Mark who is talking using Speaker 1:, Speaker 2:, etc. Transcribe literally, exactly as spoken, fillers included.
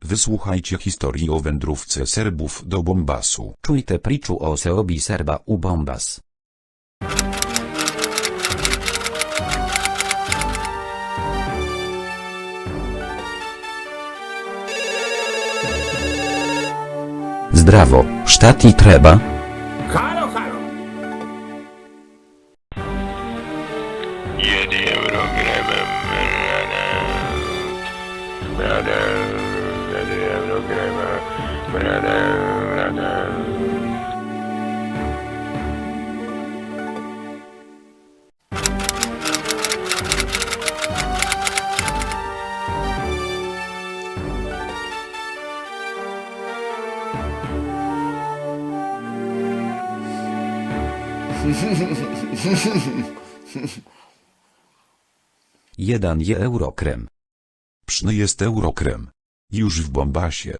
Speaker 1: Wysłuchajcie historii o wędrówce Serbów do Bombasu.
Speaker 2: Czujte priču o seobi Serba u Bombas. Zdravo, šta ti treba?
Speaker 3: Halo, halo!
Speaker 4: Jedi Eurogramem, brother, jedi Eurogramem, brother, brother.
Speaker 2: Jeden je eurokrem.
Speaker 1: Pyszny jest eurokrem. Już w Bombasie.